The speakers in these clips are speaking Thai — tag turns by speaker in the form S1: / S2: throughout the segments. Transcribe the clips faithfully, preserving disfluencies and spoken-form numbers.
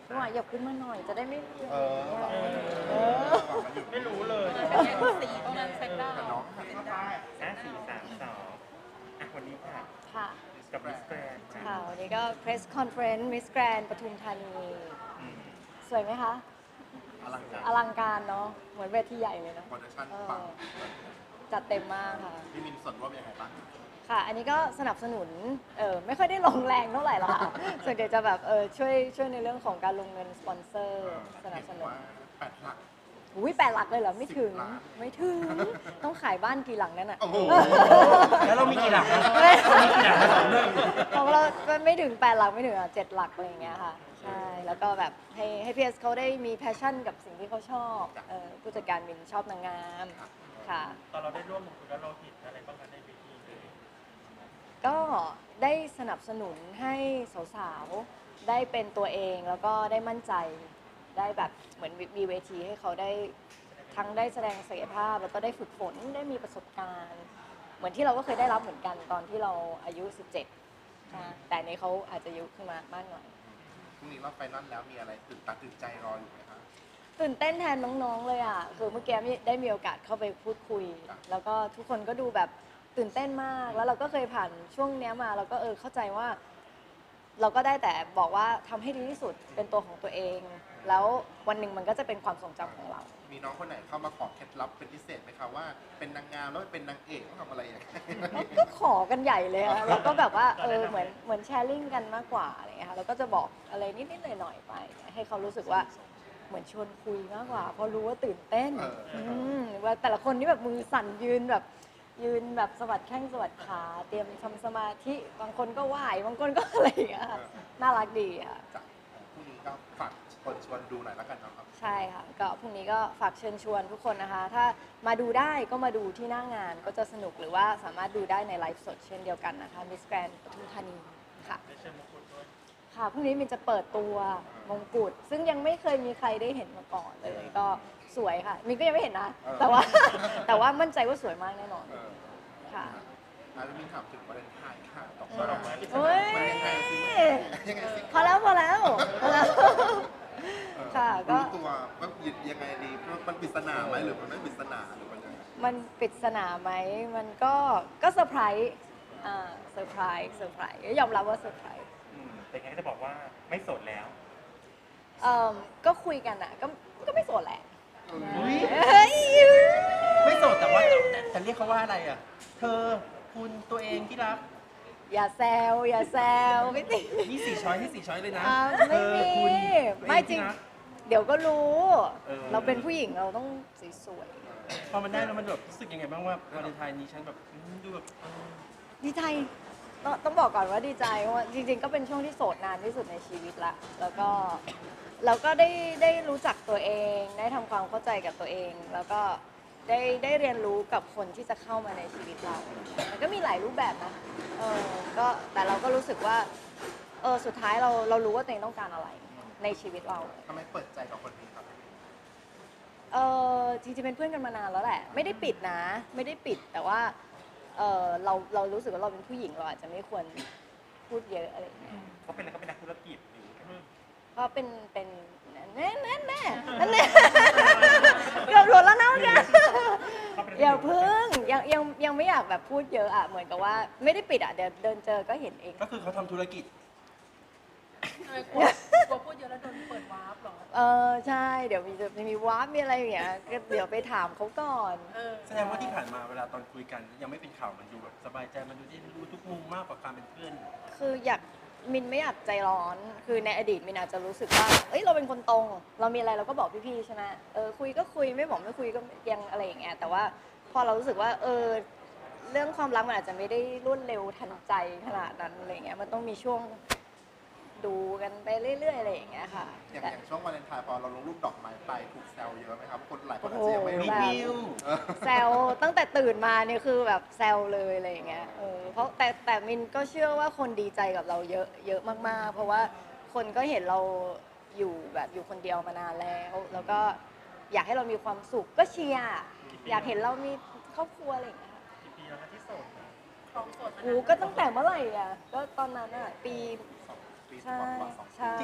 S1: พี่หวายหยบขึ้นมาหน่อยจะได้ไม่เอ
S2: เออ
S1: เออ
S3: ไม่รู้เลย
S4: สีตรงนั้นเซ็ตได้
S2: แต่น้อง
S3: ห้าสี่สามสองอ่ะวันนี้ค่ะ
S1: ค่ะ
S3: กับมิสแกรนด์
S1: ค่ะวันนี้ก็ press conference Miss Grand ปทุมธานี สวยไหมคะ
S2: อลังการ
S1: อลังการเนาะเหมือนเวทีใหญ่เลยเนาะ
S2: โปรดักชั่น
S1: เออ
S2: ปัง
S1: จัดเต็มมากค่ะ
S2: พี่มินส่วนร่วมยังไงบ้าง
S1: ค่ะ อันนี้ก็สนับสนุน เออไม่ค่อยได้ลงแรงเท่าไหร่หรอกค่ะ ส่วนใหญ่จะแบบเออช่วยช่วยในเรื่องของการลงเงินสปอนเซอร์สนับสนุน
S2: ว่าแปดหลัก
S1: อุ้ยแปดหลักเลยเหรอ ไม่ถึง
S2: สิบล้าน
S1: ไม่ถึง ต้องขายบ้านกี่หลังนั่นอ่ะ
S2: โอ้โห
S3: แล้วเรามีกี่หลักนะ
S1: ไม่
S3: เรามีกี่หลักมาสองเรื่อง
S1: ของเราไม่ถึงแปดหลักไม่ถึงอ่ะเจ็ดหลักอะไรอย่างเงี้ยค่ะ ใช่ แล้วก็แบบให้ให้พีเอสเขาได้มีแพชชั่นกับสิ่งที่เขาชอบเออผู้จัดการมินชอบนางงามค่ะ
S3: ตอนเราได้ร่วมลงทุนแล้วเราเห็นอะไรบ้างคะในเวทีเลย
S1: ก็ได้สนับสนุนให้สาวๆ ได้เป็นตัวเองแล้วก็ได้มั่นใจ ได้แบบเหมือนมีเวทีให้เขาได้ทั้งได้แสดงศักยภาพ แล้วก็ได้ฝึกฝนได้มีประสบการณ์ เหมือนที่เราก็เคยได้รับเหมือนกันตอนที่เราอายุ สิบเจ็ดนะแต่ในเขาอาจจะอายุขึ้นมามากหน่อย
S2: พรุ่งนี้เราไฟนอลแล้วมีอะไรตื่นตาตื่นใจรออยู่ไหมคะ
S1: ตื่นเต้นแทนน้องๆ เลยอ่ะ คือเมื่อกี้ได้มีโอกาสเข้าไปพูดคุย
S2: ครับ
S1: แล้วก็ทุกคนก็ดูแบบตื่นเต้นมาก แล้วเราก็เคยผ่านช่วงเนี้ยมาเราก็เออเข้าใจว่า เราก็ได้แต่บอกว่าทำให้ดีที่สุดเป็นตัวของตัวเอง แล้ววันหนึ่งมันก็จะเป็นความทรงจำของเรา
S2: มีน้องคนไหนเข้ามาขอเคล็ดลับเป็นพิเศษไหมคะว่าเป็นนางงามแล้วเป็นนางเอกต้องทำอะไรอย่างเงี้ย
S1: ก็ขอกันใหญ่เลยอะเราก็แบบว่าเออเหมือนเหมือนแชร์ลิงกันมากกว่าอะไรเงี้ยค่ะเราก็จะบอกอะไรนิดๆหน่อยๆไป ให้เขารู้สึกว่าเหมือนชวนคุยมากกว่า เพราะรู้ว่าตื่นเต้น
S2: เอออื
S1: มว่าแต่ละคนนี่แบบมือสั่นยืนแบบยืนแบบสะบัดแข้งสะบัดขาเตรียมทำสมาธิบางคนก็ไหวบางคนก็อะไรอย่างเงี้ยค่ะน่ารักดีค่ะ
S2: จากพรุ่งนี้ก็ฝากคนชวนดูหน่อยแล้วกันนะครับ
S1: ใช่ค่ะก็พรุ่งนี้ก็ฝากเชิญชวนทุกคนนะคะ ถ้ามาดูได้ก็มาดูที่หน้างานก็จะสนุกหรือว่าสามารถดูได้ในไลฟ์สดเช่นเดียวกันนะคะ Miss Grand ปทุมธานีค่ะ
S3: ได้เชิญมงกุฎด้วย
S1: ค่ะพรุ่งนี้มินจะเปิดตัวมงกุฎซึ่งยังไม่เคยมีใครได้เห็นมาก่อนเลยก็สวยค่ะมินก็ยังไม่เห็นนะ
S2: เออ
S1: แต่ว่า แต่ว่ามั่นใจว่าสวยมากแน่นอน
S2: เออ
S1: ค่ะ
S2: อ่ะแล้วมินถามถึงวาเลนไทน์ค่ะดอก
S1: อื
S2: ไม้
S1: ม
S2: ดอกไม้
S1: โอ้ย
S2: มันยังไงสิยังไงสิ
S1: พอแล้วพอแล้วพอแล้ว
S2: เออ
S1: ค่ะก็
S2: รู้ตัวว่ายังไงดีมันปริศนาไหมหรือมันไม่ปริศนาหรือมันยังไง
S1: มันปริศนาไหมมันก็ก็เซอร์ไพรส์อ่าเซอร์ไพรส์เซอร์ไพรส์ยอมรับว่าเซอร์ไพรส์
S3: อืมแต่ไงก็จะบอกว่าไม่โสดแล้ว
S1: เอ่อก็คุยกันอ่ะก็ก็ไม่โสดแหละ
S5: อุ๊ย
S1: เฮ้ย
S5: ไม่โสดแต่ว่าแต่แต่เรียกเขาว่าอะไรอ่ะ เธอคุณตัวเองที่รัก
S1: อย่าแซวอย่าแซวไม่ติ
S5: นี่สี่ช้อยให้สี่ช้อยเลยนะ
S1: อ่า
S5: เธ
S1: ไม่
S5: อ
S1: มี
S5: คุณ
S1: ไม่จริง
S5: ตัวเอที่ก
S1: เดี๋ยวก็รู้
S5: เออ
S1: เราเป็นผู้หญิงเราต้องสวย
S5: พอมันได้แล้วมันแบบรู้สึกยังไงบ้างว่าวาเลนไทน์นี้ฉันแบบอืมดูแบบเออ
S1: ๆดีใจต้องต้องบอกก่อนว่าดีใจเพราะว่าจริงๆ ก็เป็นช่วงที่โสดนานที่สุดในชีวิตละแล้วก็เราก็ได้ได้รู้จักตัวเอง ได้ทำความเข้าใจกับตัวเอง แล้วก็ได้ได้เรียนรู้กับคนที่จะเข้ามาในชีวิตเรา มันก็มีหลายรูปแบบนะเออก็แต่เราก็รู้สึกว่าเออสุดท้ายเราเรารู้ว่าตัวเองต้องการอะไรในชีวิตเรา
S2: ทำไมเปิดใจกับคนนี้ครับ
S1: เออจริงๆเป็นเพื่อนกันมานานแล้วแหละ ไม่ได้ปิดนะ ไม่ได้ปิดแต่ว่าเออเราเรารู้สึกว่าเราเป็นผู้หญิงเราอาจจะไม่ควรพูดเยอะอะไรอย่างเงี้ย
S3: เขาเป็นอะไรเขาเป็นนักธุรกิจหรือ
S1: เพราะเป็นเป็นแน่แน่แน่แน่เกือบหลุดแล้วนะเนี่ย
S3: เขาเป็น
S1: อย่าพึ่งยังยังยังไม่อยากแบบพูดเยอะอ่ะเหมือนกับว่าไม่ได้ปิดอ่ะเดี๋ยวเดินเจอก็เห็นเอง
S5: ก็คือเขาทำธุรกิจ
S4: ทำไมกลัวกลัวพูดเยอะแล้วโดนเปิดวาร์ปเหรอ
S1: เออใช่เดี๋ยวมีจะมีวาร์ปมีอะไรอย่างเงี้ยก็เดี๋ยวไปถามเขาก่อน
S4: เออ
S5: แสดงว่าที่ผ่านมาเวลาตอนคุยกัน ยังไม่เป็นข่าวมันดูแบบสบายใจมันดูที่รู้ทุกมุมมากกว่าการเป็นเพื่อน
S1: คืออยากมินไม่อยากใจร้อน คือในอดีตมินอาจจะรู้สึกว่า เอ้ยเราเป็นคนตรง เรามีอะไรเราก็บอกพี่ๆใช่ไหมเออคุยก็คุยไม่บอกไม่คุยก็ยังอะไรอย่างเงี้ย แต่ว่าพอเรารู้สึกว่าเออเรื่องความรักมันอาจจะไม่ได้รวดเร็วทันใจขนาดนั้นอะไรเงี้ย มันต้องมีช่วงดูกันไปเรื่อยๆอะไรอย่างเงี้ยค่ะ
S2: อย่าง
S1: แต่
S2: อย่างช่วงวาเลนไทน์พอเราลงรูปดอกไม้ไปถูกแซวเยอะไหมครับ คนหลายคน
S1: โอ้
S2: อาจ
S1: โห
S2: จะยังไม่รู้
S5: รีวิว
S2: เออ
S1: แซวตั้งแต่ตื่นมาเนี่ยคือแบบแซวเลยอะไรอย่างเงี้ยเออเพราะแต่แต่มินก็เชื่อว่าคนดีใจกับเราเยอะเยอะมากๆ เพราะว่าคนก็เห็นเราอยู่แบบอยู่คนเดียวมานานแล้ว แล้วก็อยากให้เรามีความสุขก็เชียร์อยากเห็นเรามีครอบครัวอะไรอย่างเงี้ยค่ะ
S3: กี่ปีแล้วนะที่โสดนะ
S4: ครองโสดมา
S1: โอ้
S4: นาน
S1: ก็ตั้งแต่เมื่อไหร่อ่ะก็ตอนนั้นอ่ะปี
S2: สองปี
S1: ใช่
S2: กว่าๆสองปี
S1: ใช่
S5: จริงๆตอนนั้น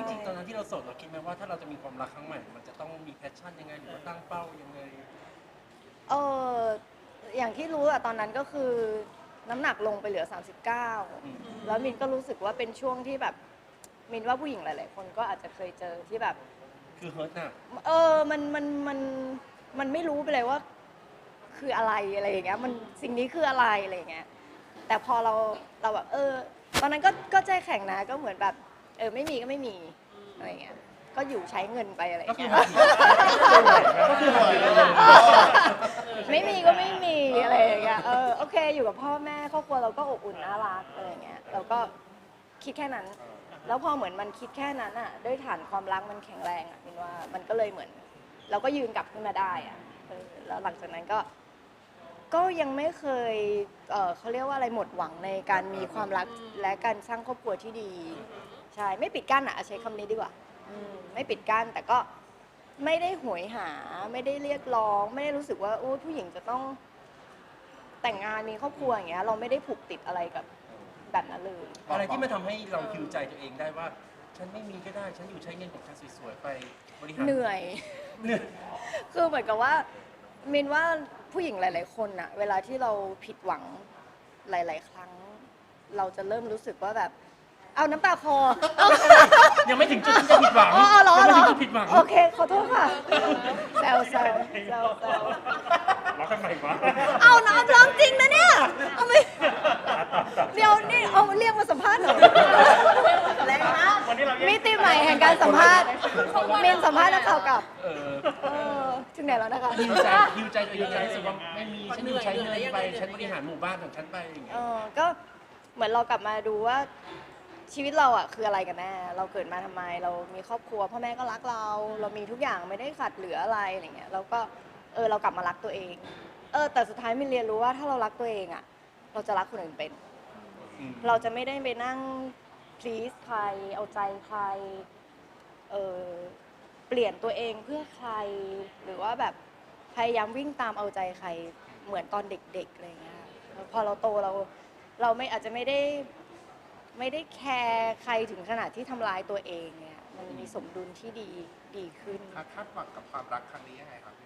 S5: นั้นที่เราโสดเราคิดไหมว่าถ้าเราจะมีความรักครั้งใหม่มันจะต้องมีแพชชั่นยังไงหรือว่าตั้งเป้ายังไง
S1: เอออย่างที่รู้อะตอนนั้นก็คือน้ำหนักลงไปเหลือ สามสิบเก้า
S5: อืม
S1: แล้วมินก็รู้สึกว่าเป็นช่วงที่แบบมินว่าผู้หญิงหลาย ๆ คนก็อาจจะเคยเจอที่แบบ
S5: คือเฮิร์ตหนัก
S1: เออ มัน มัน มัน มันไม่รู้ไปเลยว่า คืออะไรอะไรอย่างเงี้ย มันสิ่งนี้คืออะไรอะไรอย่างเงี้ย แต่พอเรา เราแบบ เออ ตอนนั้นก็ ก็ใจแข็งนะ ก็เหมือนแบบ เออ ไม่มีก็ไม่มีอะไรอย่างเงี้ย ก็อยู่ใช้เงินไปอะไรอ
S5: ก็
S1: ย่าง
S5: คือ
S1: เงี้ย
S5: ก็คือหอยเลย
S1: ไม่มีก็ไม่มีอะไรอย่างเงี้ย เออ โอเค อยู่กับพ่อแม่ครอบครัวเราก็อบอุ่นน่ารักอะไรอย่างเงี้ย เราก็คิดแค่นั้น แล้วพอเหมือนมันคิดแค่นั้นอ่ะ ด้วยฐานความรักมันแข็งแรงอ่ะมินว่ามันก็เลยเหมือน เราก็ยืนกลับขึ้นมาได้อ่ะเออแล้วหลังจากนั้นก็ ก็ยังไม่เคย เออเขาเรียกว่าอะไรหมดหวังในการมีความรักและการสร้างครอบครัวที่ดี ใช่ ไม่ปิดกั้นอ่ะใช้คำนี้ดีกว่าอืมไม่ปิดกั้นแต่ก็ไม่ได้หวยหา ไม่ได้เรียกร้อง ไม่ได้รู้สึกว่าโอ้ผู้หญิงจะต้องแต่งงานมีครอบครัวอย่างเงี้ย เราไม่ได้ผูกติดอะไรกับแบบนั้นเลย
S5: อะไรที่มันทำให้เราคิวใจตัวเองได้ว่า ฉันไม่มีก็ได้ฉันอยู่ใช้เงินของฉันสวยๆไปบริหาร
S1: เหนื่อย
S5: เหนื่อย
S1: คือเหมือนกับว่ามินว่าผู้หญิงหลาย ๆ คนอะเวลาที่เราผิดหวังหลาย ๆ ครั้ง เราจะเริ่มรู้สึกว่าแบบ เอาน้ำตาคอเอา
S5: ยังไม่ถึงจุดที่จะผิดหวัง
S1: อ๋อเหรอ
S5: ยัง
S1: เหร
S5: ไม่
S1: อ
S5: ถึงจุดผิดหวัง
S1: โอเคขอโทษค่ะแซวแซวแซวแซว
S3: แล้วทำไมวะ
S1: เอาน้ำร้องจริงนะเนี่ยเอาไม่เดี๋ยวนี่เอาเรียกมาสัมภาษณ์หน่อยแรงนะ
S3: วันนี้เราแยก
S1: มิติใหม่แห่งการสัมภาษณ์มินสัมภาษณ์นักข่าวกับ
S5: เออ
S1: เออถึงไหนแล้วนะคะ
S5: ฮิวใจฮิวใจตัวเองรู้สึกว่าไม่มีฉันอยู่ใช้เงินไปฉันบริหารหมู่บ้านของฉันไปอย่างเงี้
S1: เอย อก็เหมือนเรากลับมาดูว่าชีวิตเราอะคืออะไรกันแน่ เราเกิดมาทำไม เรามีครอบครัวพ่อแม่ก็รักเรา เรามีทุกอย่างไม่ได้ขาดเหลืออะไรอะไรเงี้ยแล้วก็เออเรากลับมารักตัวเอง เออแต่สุดท้ายมินเรียนรู้ว่าถ้าเรารักตัวเองอะเราจะรักคนอื่นเป็น
S5: อืม
S1: เราจะไม่ได้ไปนั่ง please ใคร เอาใจใคร เออเปลี่ยนตัวเองเพื่อใคร หรือว่าแบบพยายามวิ่งตามเอาใจใคร เหมือนตอนเด็กๆอะไรเงี้ยแล้วพอเราโตเราเราไม่อาจจะไม่ได้ไม่ได้แคร์ใครถึงขนาดที่ทำร้ายตัวเองเนี่ย มันมีสมดุลที่ดีดีขึ้น
S2: คาดหวังกับความรักครั้งนี้ยังไงครับ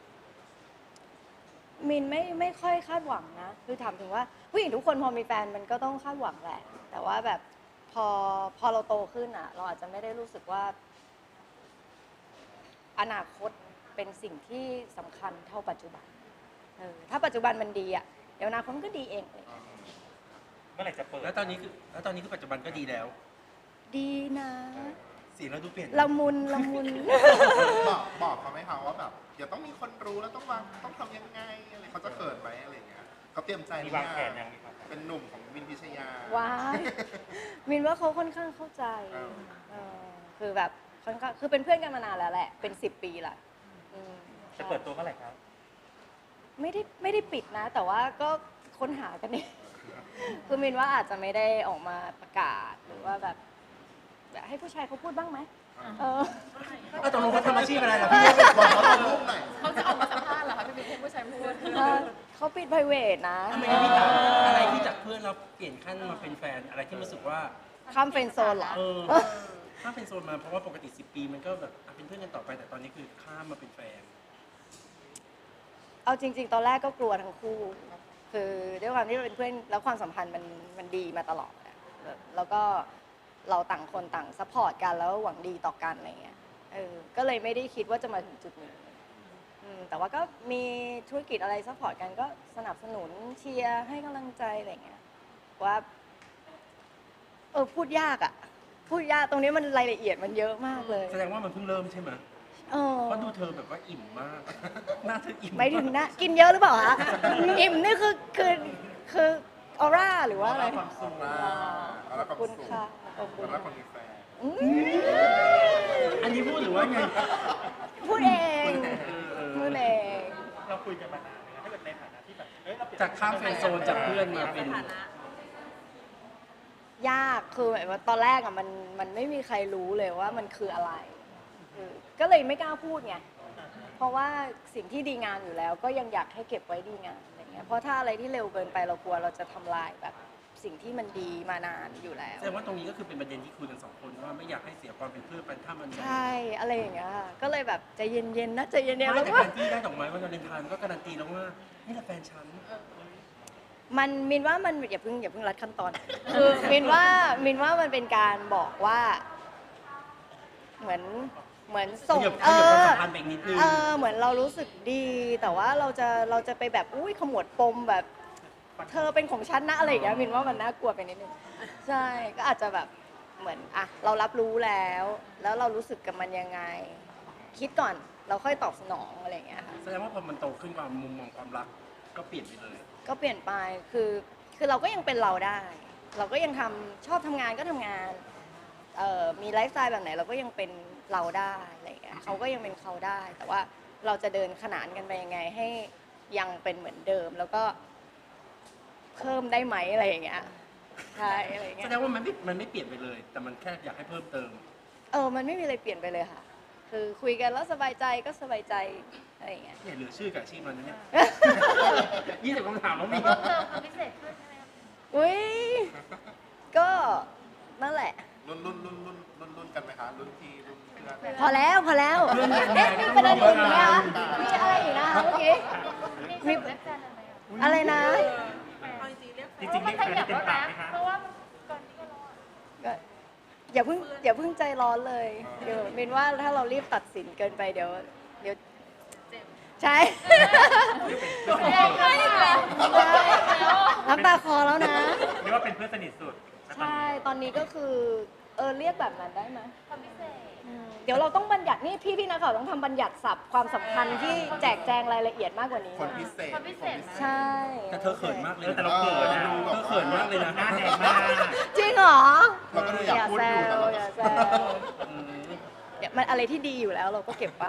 S1: มินไม่ไม่ค่อยคาดหวังนะ คือถามถึงว่าผู้หญิงทุกคนพอมีแฟนมันก็ต้องคาดหวังแหละ แต่ว่าแบบพอพอเราโตขึ้นอ่ะ เราอาจจะไม่ได้รู้สึกว่า อนาคตเป็นสิ่งที่สำคัญเท่าปัจจุบันเออถ้าปัจจุบันมันดีอ่ะเดี๋ยวอนาคตมันก็ดีเองเลย
S3: เมื่อไหร่จะเปิด
S5: แล้วตอนนี้คือแล้วตอนนี้คือปัจจุบันก็ดีแล้ว
S1: ดีนะ
S5: สีเราดูเปลี่ยน
S1: ละมุนละมุน
S2: บอกบอกเขาไหมคะว่าแบบเดี๋ยวต้องมีคนรู้แล้วต้องวางต้องทำยังไงอะไรเขาจะเขินไหมอะไรอย่างเงี้ยเขาเตรียมใจห
S3: มี
S2: รือ
S3: วางแผ
S2: ยั
S3: นยังมีวางแผน
S2: เป็นหนุ่มของวินพิชยา
S1: ว้ายมินว่าเขาค่อนข้างเข้าใจ
S2: เออ
S1: เออคือแบบค่อนข้างคือเป็นเพื่อนกันมานานแล้วแหละ เป็นสิบปีละอืม
S3: จะเปิดตัวเมื่อไหร่ครับ
S1: ไม่ได้ไม่ได้ปิดนะ แต่ว่าก็ค้นหากันเอง คือมินว่าอาจจะไม่ได้ออกมาประกาศหรือว่าแบบแบบให้ผู้ชายเขาพูดบ้างไหมเออ
S5: เอาตกลงเขาทำอาชีพอะไรล่ะ
S2: พี่
S5: พี่
S2: บอกเขาลงรูปหน่อย
S4: เขาจะออกมาสัมภาษณ์เหรอคะพี่บิ๊กให้ผู้ชายพูด
S1: เออเขาปิด private นะ
S5: ทำไมพี่ถามอะไรที่จากเพื่อนเราเปลี่ยนขั้นมาเป็นแฟนอะไรที่รู้สึกว่า
S1: ข้ามเฟรนด์โซนเหรอ
S5: เออ ถ้าเป็นโซนมาเพราะว่าปกติสิบปีมันก็แบบอ่ะเป็นเพื่อนกันต่อไปแต่ตอนนี้คือข้ามมาเป็นแฟน
S1: เอาจริง ๆ ตอนแรกก็กลัวทั้งคู่ คือด้วยความที่เราเป็นเพื่อนแล้วความสัมพันธ์มันมันดีมาตลอดอะแล้วแล้วก็เราต่างคนต่างซัพพอร์ตกันแล้วหวังดีต่อกันอะไรเงี้ย เออ ก็เลยไม่ได้คิดว่าจะมาถึงจุดนี้อืมแต่ว่าก็มีธุรกิจอะไรซัพพอร์ตกันก็สนับสนุนเชียร์ให้กำลังใจอะไรเงี้ย ว่า เออพูดยากอะพูดยากตรงนี้มันรายละเอียดมันเยอะมากเลย
S5: แสดงว่ามันเพิ่งเริ่มใช่ไหม
S1: เออ
S5: เพราะดูเธอแบบว่าอิ่มมาก หน้าเธออิ่ม
S1: ไม่ถึงนะกินเยอะหรือเปล่าคะอิ่มนี่คือคือคือออร่าหรือว่าอะไร
S2: ความสุขนะ
S1: ขอบคุณค่ะขอบคุณ
S2: แล้วคนมีแฟน
S1: อืม
S5: อันนี้พูดหรือว่าไง
S1: พูดเอง
S5: เออเออ
S1: พูดเอง
S3: เราคุยกันมานานไหมถ้าเกิดในฐานะที่แบบเอ้ยเราเปลี่ยน
S5: จากข้ามเฟรนด์โซนจากเพื่อนมาเป็น
S1: ยากคือแบบว่าตอนแรกอะมันมันไม่มีใครรู้เลยว่ามันคืออะไรเออก็เลยไม่กล้าพูดไงเพราะว่าสิ่งที่ดีงามอยู่แล้ว ก็ยังอยากให้เก็บไว้ดีงามอะไรเงี้ยเพราะถ้าอะไรที่เร็วเกินไปเรากลัวเราจะทำลายแบบสิ่งที่มันดีมานานอยู่แล้ว
S5: แสดงว่าตรงนี้ก็คือเป็นประเด็นที่คุยกันสองคนว่าไม่อยากให้เสียความเป็นเพื่อนกันถ้ามัน
S1: ใช่อะไรอย่างเงี้ยค่ะก็เลยแบบใจเย็นๆนะใจเย็นๆ
S5: ไม่
S1: แล้ว
S5: แต่
S1: ก็
S5: การที่ได้ดอกไม้วันวาเลนไทน์มันก็การันตีแล้วว่านี่แหละแฟนฉัน
S1: มันมินว่ามันอย่าเพิ่งอย่าเพิ่งรัดขั้นตอน คือมินว่ามินว่ามันเป็นการบอกว่า เหมือนเหมือนส่ง
S5: ขยับ
S1: เอ
S5: ขยับความ
S1: อ
S5: สัมพันธ์ไปอีกนิดนึง
S1: เออเหมือนเรารู้สึกดี แต่ว่าเราจะเราจะไปแบบอุ้ยขมวดปมแบบ เธอเป็นของฉันนะอะไรอย่างเงี้ยมินว่ามันน่ากลัวไปนิดนึงใช่ก็อาจจะแบบเหมือนอ่ะเรารับรู้แล้ว แล้วเรารู้สึกกับมันยังไง คิดก่อนเราค่อยตอบสนองอะไรอย่างเงี้ยค่ะ
S5: แสดงว่าพอมันโตขึ้นความมุมมองความรักก็เปลี่ยนไปเลย
S1: ก็เปลี่ยนไป คือ คือเราก็ยังเป็นเราได้ เราก็ยังทำชอบทำงานก็ทำงาน เอ่อ มีไลฟ์สไตล์แบบไหนเราก็ยังเป็นเราได้อะไรอย่างเงี้ยเขาก็ยังเป็นเขาได้ แต่ว่าเราจะเดินขนานกันไปยังไงให้ยังเป็นเหมือนเดิม แล้วก็เพิ่มได้ไหมอะไรอย่างเงี้ย ใช่อะไรอย่าง
S5: แส
S1: เงี้ย
S5: ดงว่ามันไม่มันไม่เปลี่ยนไปเลย แต่มันแค่อยากให้เพิ่มเติม
S1: เออ มันไม่มีอะไรเปลี่ยนไปเลยค่ะ คือคุยกันแล้วสบายใจก็สบายใจอะไรอย่างเงี้ย
S5: เนี่ยเหลือชื่อกับอาชีพมันนะเนี่ยยี่สิบคำถามแล้วมี
S4: เพิ่มเติมความพิเศษขึ้นใช่ไหมคะ
S1: อุ้ย ก็นั่นแหละ
S2: รุ่นรุ่นรุ่นรุ่นรุ่นรุ่นกันไหมคะรุ่นพี่รุ่นเพื่อน
S1: พอแล้วพอแล้ว
S5: เรื่องยังไง
S1: เอ๊ะมีประเด็นอื่นอีกไหมคะ
S2: เรื่อง
S1: มีอะไรอีกนะคะเมื่อกี้
S4: มีเรียกแฟนอะไรอ่ะ
S1: อะไรนะ
S4: เอาจริงๆเรียกแฟ
S3: จ
S4: น
S3: ริงๆเรียกแฟนที่เต็มปากไหมคะ
S4: เพราะว่าก่อนนี้ก็รอ
S1: ก็อย่าเพิ่งอย่าเพิ่งใจร้อนเลย เดี๋ยวมินว่าถ้าเรารีบตัดสินเกินไปเดี๋ยว เดี๋ยว
S4: เจ็บ
S1: ใช่
S4: เจ็บเลยอีกแล้ว
S1: น้ำตาคลอแล้วนะ
S3: เรียกว่าเป็นเพื่อนสนิทสุดณตอน
S1: ใช่
S3: นี้
S1: ตอนนี้ก็คือ เออเรียกแบบนั้นได้ไหม
S4: ความพิเศษ
S1: อืมเดี๋ยวเราต้องบัญญัตินี่พี่พี่นักข่าวต้องทำบัญญัติศัพท์ความสำคัญที่แจกแจงรายละเอียดมากกว่านี้
S2: คน
S1: นะ
S2: พิเศษ
S4: คนพิเศษ
S1: ใช่
S5: แต่เธอเขินมากเลย
S3: เออ
S5: นะ
S3: แต่เราเขินนะ
S5: เธอเขินมากเลยนะ
S3: หน้าแดงมาก
S1: จริงเหรอ
S2: เราก็ดูอยากพูด
S1: แซ
S2: อยู่แต่
S1: ว
S2: เรา
S1: อย่าแซว
S5: อืม
S1: เดี๋ยวมันอะไรที่ดีอยู่แล้วเราก็เก็บไป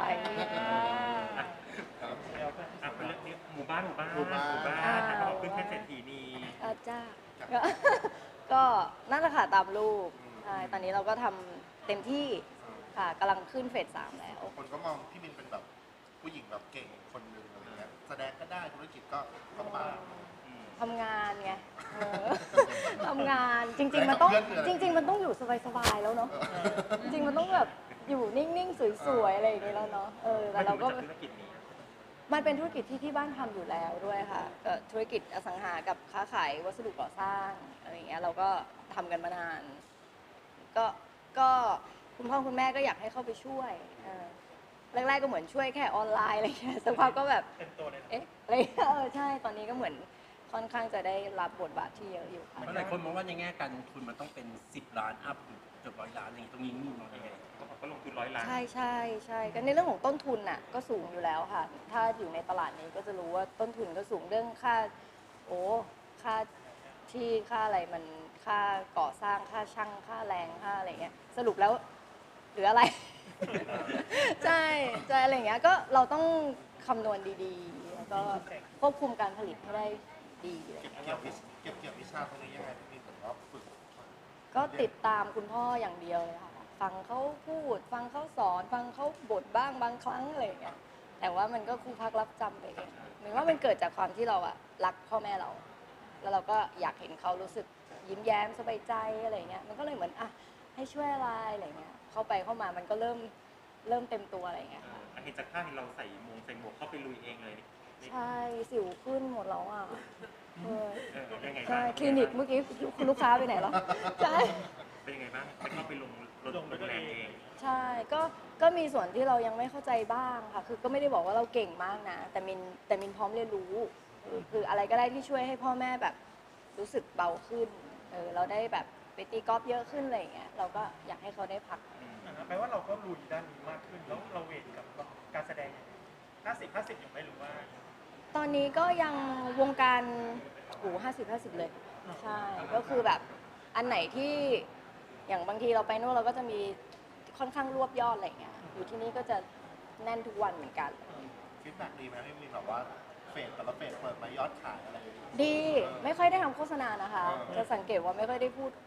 S3: อ่ะเป็นเรื่องนี้หมู่บ้านหมู่บ้าน
S2: หมู่บ้าน
S3: หมู่บ้านนะเขาบอกขึ้นแค่เศรษฐีนี
S1: อาจ้าก็ ก็นั่นแหละค่ะตามรูปใช่ตอนนี้เราก็ทำเต็มที่ค่ะกำลังขึ้นเฟสสามแล้ว
S2: คนก็มองพี่มินเป็นแบบผู้หญิงแบบเก่งคนหนึ่งอะไรเงี้ยแสดงก็ได้ธุรกิจก็ก็มา
S1: ทำงานไงเออ ทำงานจริง ๆ มันต้อง
S2: เพื่อนคืออะไร
S1: จริง ๆ มันต้องอยู่สบายๆแล้วเนาะจริงๆมันต้องแบบอยู่นิ่งๆสวยๆอะไรอย่างนี้แล้วเนาะเออแต่เราก็
S3: ธุรกิจนี้
S1: มันเป็นธุรกิจที่ที่บ้านทำอยู่แล้วด้วยค่ะก็ธุรกิจอสังหากับค้าขายวัสดุก่อสร้างอะไรอย่างเงี้ยเราก็ทำกันมานาน ก็ก็คุณพ่อคุณแม่ก็อยากให้เข้าไปช่วยเออแรกๆก็เหมือนช่วยแค่ออนไลน์อะไรอย่างเงี้ยสักพักก็แบบ
S3: เต็มตัวเลยนะ
S1: เอ๊ะอะไรอย่างเงี้ยเออใช่ตอนนี้ก็เหมือนค่อนข้างจะได้รับบทบาทที่เยอะอยู่ค่ะ
S5: เพราะหลายคนมองว่าในแง่การลงทุนมันต้องเป็นสิบล้านอัพเกือบร้อยล้านอะไรอย่างงี้ตรงนี้มีมองยังไง
S3: เขาบอกว่าลงทุนร้อยล้าน
S1: ใช่ใช่ใช่ก็ในเรื่องของต้นทุนน่ะก็สูงอยู่แล้วค่ะ ถ้าอยู่ในตลาดนี้ก็จะรู้ว่าต้นทุนก็สูงเรื่องค่า โอ้ค่าที่ค่าอะไรมันค่าก่อสร้างค่าช่างค่าแรงค่าอะไรเงี้ยสรุปแล้วเหลืออะไร ใช่ใช่อะไรอย่างเงี้ยก็เราต้องคำนวณดีๆ แล้วก็ควบคุมการผลิตให้ได้ดีอะไร
S2: เก็บ
S1: เงี้ย
S2: เกี่ยววิชเก็บเกี่ยววิชาตรงนี้ยังไงพี่มินเหมือนว่าฝึก
S1: ก็ติดตามคุณพ่ออย่างเดียวเลยค่ะ ฟังเขาพูด ฟังเขาสอน ฟังเขาบ่นบ้างบางครั้งอะไรอย่างเงี้ยแต่ว่ามันก็ครูพักรับจำไปเองหมายว่ามันเกิดจากความที่เราอะรักพ่อแม่เรา แล้วเราก็อยากเห็นเขารู้สึกยิ้มแย้มสบายใจอะไรเงี้ยมันก็เลยเหมือนอ่ะให้ช่วยอะไรอะไรเงี้ยเข้าไปเข้ามามันก็เริ่มเริ่มเต็มตัวอะไรเงี้ย
S3: เออเห็นจากภาพเห็นเราใส่มงใส่หมวกเข้าไปลุยเองเลยนี่
S1: ใช่สิวขึ้นหมดแล้วอ่ะเออ
S3: เออยังไงบ้าง
S1: ใช่คลินิกเมื่อกี้คุณลูกค้าไปไหนแล้วใช่
S3: เป็นยังไงบ้างไปเข้าไปลงรถโรงแรมเอง
S1: ใช่ก็ก็มีส่วนที่เรายังไม่เข้าใจบ้างค่ะ คือก็ไม่ได้บอกว่าเราเก่งมากนะ แต่มินแต่มินพร้อมเรียนรู้คือคืออะไรก็ได้ที่ช่วยให้พ่อแม่แบบรู้สึกเบาขึ้นเออเราได้แบบไปตีกอล์ฟเยอะขึ้นอะไรอย่างเงี้ยเราก็อยากให้เขาได้พัก
S6: แปลว่าเราก็ลุยด้านนี้มากขึ้น แล้วเราเวทกับการแสดงห้าสิบห้าสิบอยู่ไหมหรือว่า
S1: ตอนนี้ก็ยังวงการหูห้าสิบห้าสิบเลย ใช่ ก็คือแบบอันไหนที่อย่างบางทีเราไปนู่นเราก็จะมีค่อนข้างรวบยอดอะไรอย่างเงี้ยอยู่ที่นี่ก็จะแน่นทุกวันเหมือนกัน
S2: ฟีดแบ็กดีไหมพี่มินแบบว่าเฟสแต่ละเฟสเปิดมายอดขายอะไรอย่างเงี้ย
S1: ดีไม่ค่อยได้ทำโฆษณานะคะ
S2: เออ
S1: จะสังเกตว่าไม่ค่อยได้พูดโป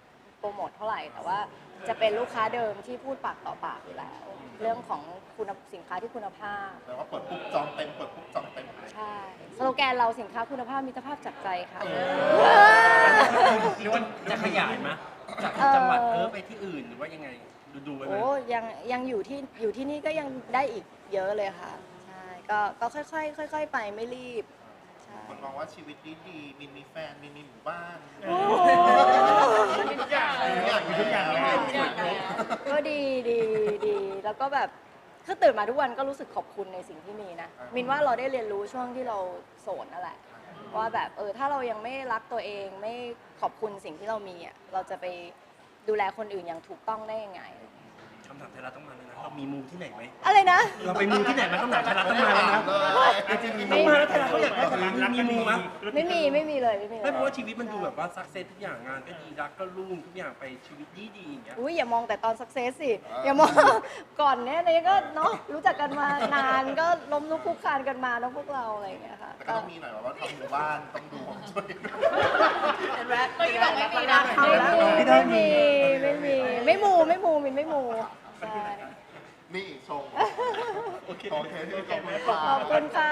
S1: รโมทเท่าไหร่ แต่ว่าจะเป็นลูกค้าเดิมที่พูดปากต่อปากอยู่แล้ว เรื่องของคุณสินค้าที่คุณภาพ
S2: แต่ว่าเปิดปุ๊บจองเต็มเปิดปุ๊บจองเต็มเลย
S1: ใช่สโลแกนเราสินค้าคุณภาพมิตรภาพจากใจค่ะ
S5: หรือว่าจะขยายไหมจาก
S1: เอ่อ
S5: จังหวัดเออไปที่อื่นหรือว่ายังไงดูดูๆไว้ไหม
S1: โอ้ยังยังอยู่ที่อยู่ที่นี่ก็ยังได้อีกเยอะเลยค่ะใช่ก็ก็ค่อยๆค่อย ๆ ไปไม่รีบใช่
S2: คนมองว่าชีวิตดีดีๆมินมีแฟนมินมีหมู่บ้าน
S1: โอ้
S6: มีทุกอย่างเลย
S2: ทุกอย่างมีทุกอย่าง
S6: มี
S2: เลย
S6: ทุกอย่างเลย
S1: ก็ดีดีดีแล้วก็แบบคือตื่นมาทุกวันก็รู้สึกขอบคุณในสิ่งที่มีนะมินว่าเราได้เรียนรู้ช่วงที่เราโสดนั่นแหละว่าแบบเออถ้าเรายังไม่รักตัวเองไม่ขอบคุณสิ่งที่เรามีอ่ะเราจะไปดูแลคนอื่นอย่างถูกต้องได้ยังไง
S5: คำถามไทยรัฐต้องมาแล้วนะเรามีมูที่ไหนไหม
S1: อะไรนะ
S5: เราไปมูที่ไหนมาคำถามไทยรัฐต้องมาแล้วนะ
S2: จริงๆมี
S5: ต้องมาแล้วไทยรัฐเขาอยากได้แบบนี้มีมูมั้ย
S1: ไม่มีไม่มีเลยไม่มีเล
S5: ไม่
S1: ย
S5: เพราะว่าชีวิตมันดูแบบว่าสักเซสทุกอย่างงานก็ดีรักก็รุ่งทุกอย่างไปชีวิตดีดีๆอย่างเงี้ย
S1: อุ้ยอย่ามองแต่ตอนสักเซสสิอย่ามอง ก่อนเนี้ยเนี่ยก็เนาะรู้จักกันมานานก็ล้มลุกคลุกคลานกันมาเนาะพวกเราอะไรอย่างเงี้ยค่ะ
S2: แต่ก็ต้องมีหน่อยว่าทำหมู่บ้านต้องดูของช่วย
S4: เห็นไหมเมื่อกี้บอกไม่มีนะ
S1: ไม่มีไม่มีไม่มีไม่มูไม่มูมินไม่มูใช่
S2: นี่ชง
S6: โอเค
S2: โอเคที่ขอบคุณค่ะ
S1: ขอบคุณค่ะ